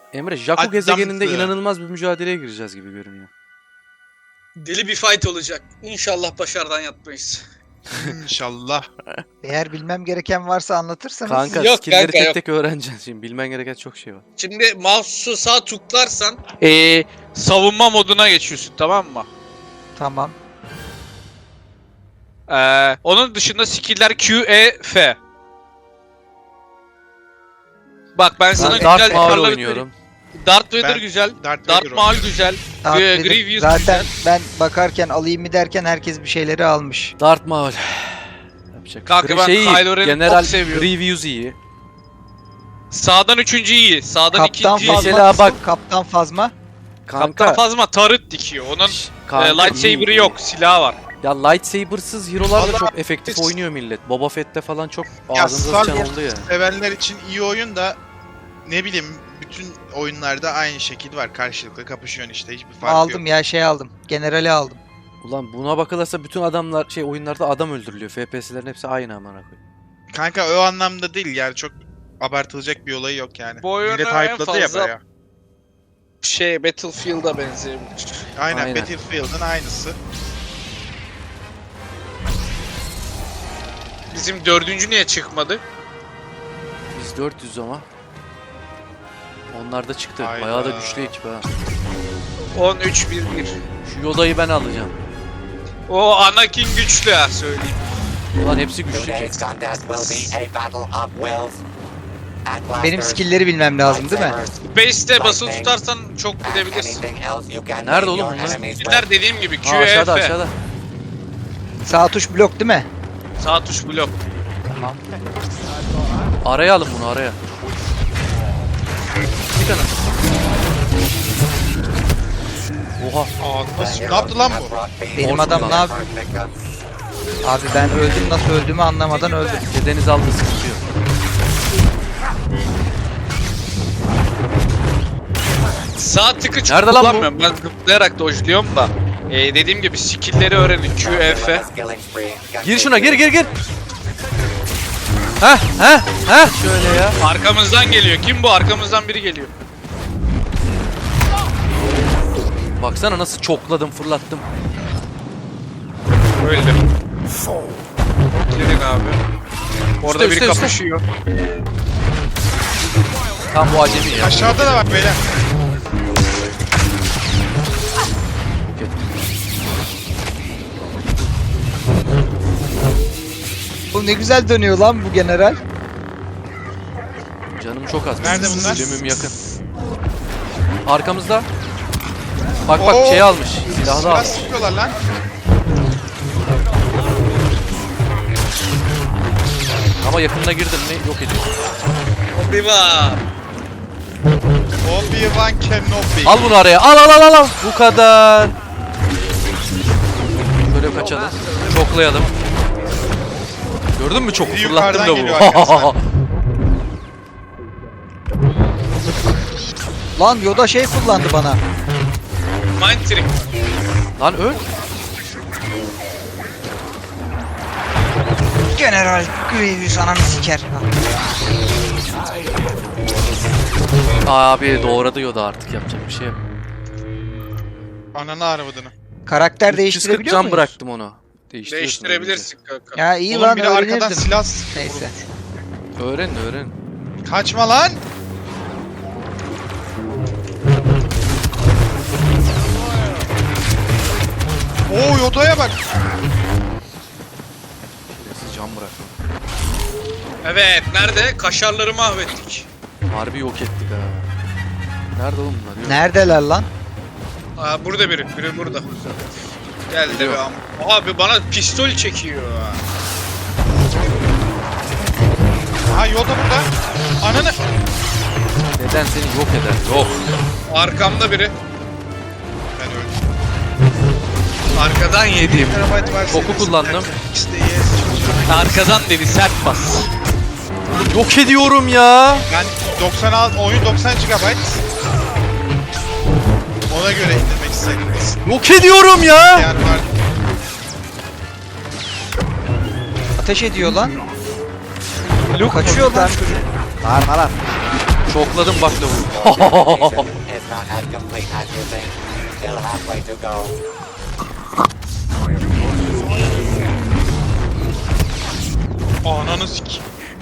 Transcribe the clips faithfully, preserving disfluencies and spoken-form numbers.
Emre, Jakku Adamsı. gezegeninde inanılmaz bir mücadeleye gireceğiz gibi görünüyor. Deli bir fight olacak. İnşallah başarıdan yatmayız. İnşallah. Eğer bilmem gereken varsa anlatırsanız. Kanka Yok skill'leri kanka, tek yok. tek öğreneceksin şimdi. Bilmen gereken çok şey var. Şimdi mouse'u sağ tıklarsan Ee, savunma moduna geçiyorsun, tamam mı? Tamam. Ee, onun dışında skill'ler Q, E, F. Bak ben sana Ben güzel Darth Maul karları oynuyorum. söyleyeyim. Darth Vader Ben güzel. Darth Darth Vader Maul oynuyorum. güzel. Darth Ee, Vader- Grievous Zaten güzel. ben bakarken alayım mı derken herkes bir şeyleri almış. Darth Maul. Yapacak. Kanka Gri- ben şey iyi, Kylo Ren'i General çok seviyorum. Grievous iyi. Sağdan üçüncü iyi. Sağdan Kaptan ikinci iyi. Fazma. Mesela bak- Kaptan Fazma. Kanka. Kaptan Fazma tarıt dikiyor. Onun Şş, e, kanka lightsaber'ı iyi. yok. Silahı var. Ya lightsaber'sız hero'lar da Vallahi çok efektif biz- oynuyor millet. Boba Fett'te falan çok Ya ağzınıza Star sıçan oldu ya. Sevenler için iyi oyun da ne bileyim bütün oyunlarda aynı şekil var. Karşılıklı kapışıyorsun işte, hiçbir fark Aldım yok. ya şey aldım. Generali aldım. Ulan buna bakılırsa bütün adamlar şey oyunlarda adam öldürülüyor. F P S'lerin hepsi aynı amına koyayım. Kanka o anlamda değil yani, çok abartılacak bir olayı yok yani. Bu oyunu Millet en hype'ladı ya fazla- bayağı. Şey Battlefield'a benzeyebilir. Aynen, Aynen. Battlefield'ın aynısı. Bizim dördüncü niye çıkmadı? Biz dört yüz ama. Onlar da çıktı. Hayda. Bayağı da güçlü ekip ha. on üç bir bir. Şu Yoda'yı ben alacağım. O Anakin güçlü ha söyleyeyim. Ulan hepsi güçlü. Today's contest will be a battle of wills. At blasters, Benim skill'leri bilmem lazım değil mi? lightsabers, Base'te basılı tutarsan çok and gidebilirsin. anything else you can Nerede name oğlum your bunlar? enemies with. Skiller dediğim gibi Q, Aa, E, aşağıda F. aşağıda. Sağ tuş blok değil mi? Sağ tuş blok. Araya alın bunu araya. Bir tane. Oha. Aa, nasıl, ne yaptı lan bu? Benim Olsun adam lan. ne yapıyor? Abi ben öldüm, nasıl öldüğümü anlamadan öldüm. Dedeniz aldı sıkıntı yok. Sağ tıkı çok Nerede lan bu? kullanmıyorum. Ben zıplayarak dojluyorum da. Ee, dediğim gibi skill'leri öğrenin. Q, E, F. Gir şuna gir gir gir. Heh heh heh. Şöyle ya. Arkamızdan geliyor. Kim bu? Arkamızdan biri geliyor. Baksana nasıl çokladım fırlattım. Öldü. Gelin abi. Orada Üste, biri üste, üste. kapışıyor. Tam bu acemi ya. Aşağıda da bak beyler. Bu ne güzel dönüyor lan bu general. Canım çok az. Nerede bunlar? Ölümüm yakın. Arkamızda. Bak bak Oo. şey almış. Silahlı Silah almış. sıkıyorlar lan. Ama yakınına girdin mi yok ediyor. Obi-Wan. Obi-Wan Kenobi. Al bunu araya. Al al al al, al. Bu kadar. Şöyle kaçalım. Çoklayalım. Gördün mü çok Biri fırlattım yukarıdan da geliyor bu. arkasından. Lan Yoda şey kullandı bana. Mind trick. Lan öl. General Grievous ananı siker. Abi doğradı Yoda artık yapacak bir şey yok. Ananı arvadını. Karakter üç yüz kırk değiştirebiliyor can muyuz? bıraktım onu. Değiştiriyorsun Değiştirebilirsin kanka. Ya iyi Oğlum lan biri arkadan öğrenirdim. silah sıkıyor. Neyse. Öğren öğren. Kaçma lan. Oo, Yoda'ya bak. Şerefsiz can bırak. Evet, nerede? Kaşarları mahvettik. Harbi yok ettik ha. Nerede oğlum bunlar? Yok. Neredeler lan? Aa, burada biri, biri burada. Geldi Geliyor. be am- Abi bana pistol çekiyor. Ha, Yoda burada. Ananı. Neden seni yok eder? Yok. Arkamda biri. Ben öldüm. Arkadan yedim. Terabyte var Oku senin. kullandım. İşte yes çocuğum. Arkadan dedi sert bas. Yok ediyorum ya. Ben doksan al- oyun doksan gigabayt. Ona göre indirmek istedim. Yok ediyorum ya. Yer var. Ateş ediyor lan. Kaçıyor lan çocuk. Bağırma lan. Çokladım bak lavuğu. Mission is not as complete as you think. Still halfway to go. Ananı sik.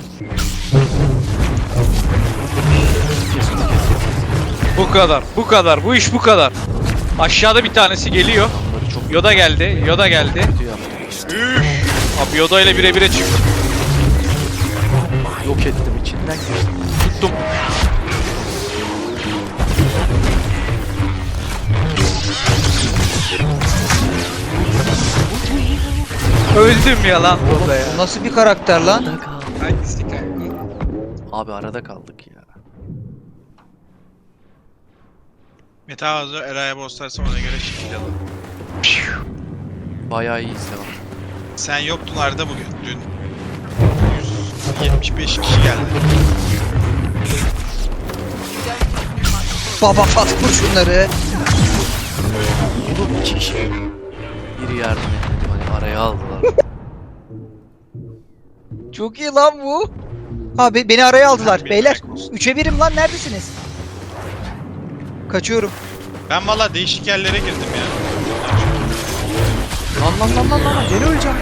Bu kadar, bu kadar, bu iş bu kadar. Aşağıda bir tanesi geliyor. Adamları çok Yoda geldi, Yoda geldi. kötü yaptım. Abi Yoda ile bire bire çıktım. Yok ettim içinden geçtim. Tuttum. Öldüm ya lan. Oğlum, bu nasıl bir karakter lan? Arada kaldık. Hangisi kanka? Abi arada kaldık ya. Meta hazır Eray'a bostarsam ona göre şekil alın. Bayağı iyi izledim. Sen yoktun Arda bugün dün. yüz yetmiş beş kişi geldi. Baba Fat vur şunları. Oğlum iki kişi. Biri yardım etmedi hani araya aldılar. Çok iyi lan bu. Abi beni araya aldılar. Bir Beyler dakika olsun. üçe birim lan, neredesiniz? Kaçıyorum. Ben valla değişik yerlere girdim ya. Lan lan lan lan lan gene öleceğim.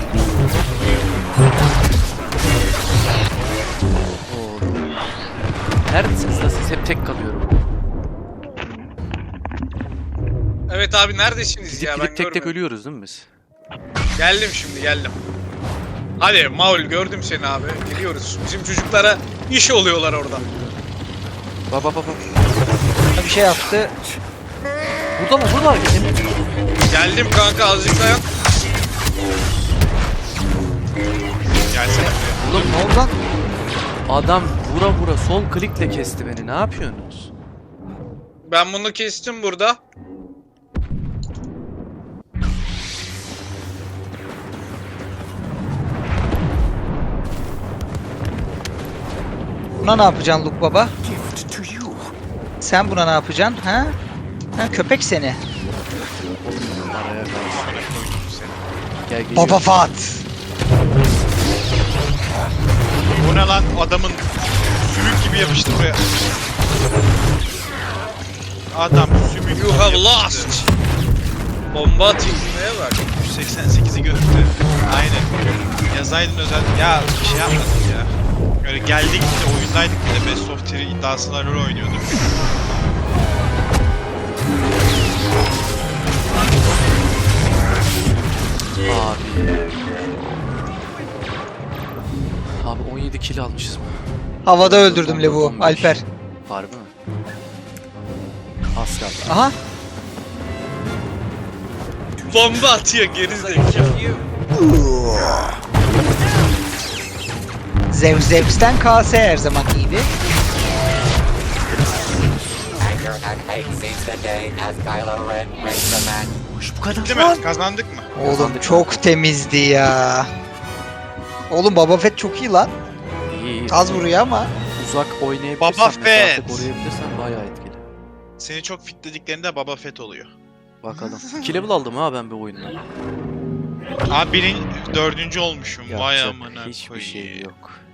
Oğlum. Neredesiniz lan siz? Hep tek kalıyorum. Evet abi neredesiniz Gidip ya gidip ben tek tek görmedim. ölüyoruz değil mi biz? Geldim şimdi geldim. Hadi Maul gördüm seni abi. Geliyoruz. Bizim çocuklara iş oluyorlar orada. Bak bak bak bak. Bir şey yaptı. Burada mı? Burada mı? Geldim kanka azıcık dayan. Gelsene. Oğlum ne oldu lan? Adam vura vura sol klikle kesti beni. Ne yapıyorsunuz? Ben bunu kestim burada. Buna ne yapacaksın Luke baba? Sen buna ne yapacaksın ha? Ha köpek seni. Araya kaldı. Gel geliyor. Baba Fat. Bu ne lan adamın sümük gibi yapıştı buraya. Adam sümük You gibi have yapıştı. lost. Bomba atayım neye bak. yüz seksen sekizi gördü. Aynen. Yazaydın özel. Ya bir şey yapmadık ya. Böyle geldik de oyundaydık bir de Best of Three iddiasına rol oynuyorduk. Abi. Abi on yedi kill almışız mı? Havada öldürdüm Levu. on beş. Alper. Harbi mi? Az kaldı. Aha. Bomba atıyor gerizekalı. Zeus Zeus'ten K S her zaman iyiydi. Anger and hate seize the day as Kylo Ren wins the match. Hoş bu kadar. Değil mi? Kazandık mı? Oğlum çok temizdi ya. Oğlum Baba Fett çok iyi lan. İyi iyi. Az vuruyor ama. Uzak oynayabilirsen, Baba mesafe Fett. koruyabilirsen bayağı etkili. Seni çok fitlediklerinde Baba Fett oluyor. Bakalım. iki level aldım ha ben bir oyunda. Abi birin dördüncü olmuşum. Vay Yapacak amına hiçbir koyayım. şey yok.